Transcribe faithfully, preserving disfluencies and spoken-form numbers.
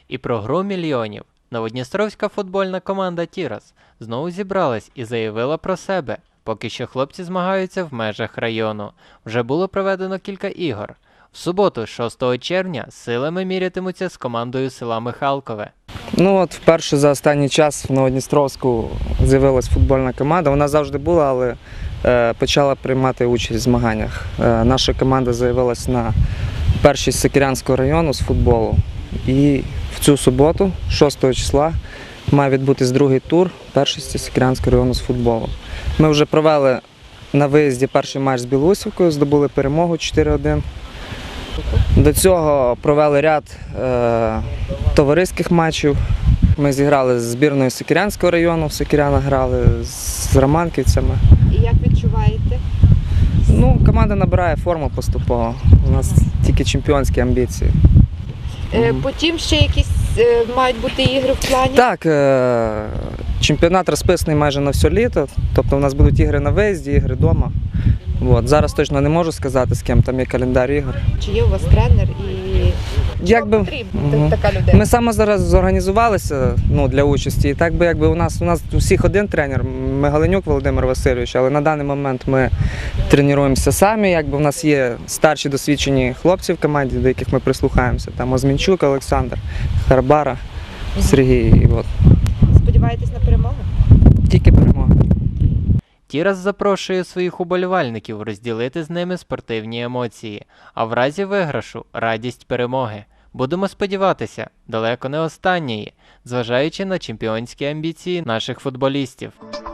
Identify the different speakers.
Speaker 1: І про гру мільйонів. Новодністровська футбольна команда «Тірас» знову зібралась і заявила про себе. Поки що хлопці змагаються в межах району. Вже було проведено кілька ігор. В суботу, шостого червня, силами мірятимуться з командою села Михалкове.
Speaker 2: Ну от вперше за останній час в Новодністровську з'явилась футбольна команда. Вона завжди була, але е, почала приймати участь в змаганнях. Е, наша команда заявилась на першість Сокирянського району з футболу. І в цю суботу, шостого числа, має відбутись другий тур першості Сокирянського району з футболу. Ми вже провели на виїзді перший матч з Білусівкою, здобули перемогу чотири один. До цього провели ряд е, товариських матчів. Ми зіграли з збірною Сокирянського району, в Сокирянах грали з романківцями.
Speaker 3: І як відчуваєте?
Speaker 2: Ну, команда набирає форму поступово. У нас тільки чемпіонські амбіції.
Speaker 3: Е, Потім ще якісь е, мають бути ігри в плані?
Speaker 2: Так, е, чемпіонат розписаний майже на все літо. Тобто у нас будуть ігри на виїзді, ігри вдома. От. Зараз точно не можу сказати, з ким там є календар ігор.
Speaker 3: Чи є у вас тренер і
Speaker 2: Як би,
Speaker 3: потрібна
Speaker 2: Мгм.
Speaker 3: така людина?
Speaker 2: Ми саме зараз зорганізувалися ну, для участі. І так би якби у нас у нас у всіх один тренер, Мигаленюк Володимир Васильович, але на даний момент ми тренуємося самі. Якби у нас є старші досвідчені хлопці в команді, до яких ми прислухаємося. Там Озмінчук Олександр, Харбара, Сергій. І от.
Speaker 3: Сподіваєтесь на перемогу?
Speaker 2: Тільки перемога.
Speaker 1: «Тірас» запрошує своїх уболівальників розділити з ними спортивні емоції, а в разі виграшу – радість перемоги. Будемо сподіватися, далеко не останньої, зважаючи на чемпіонські амбіції наших футболістів.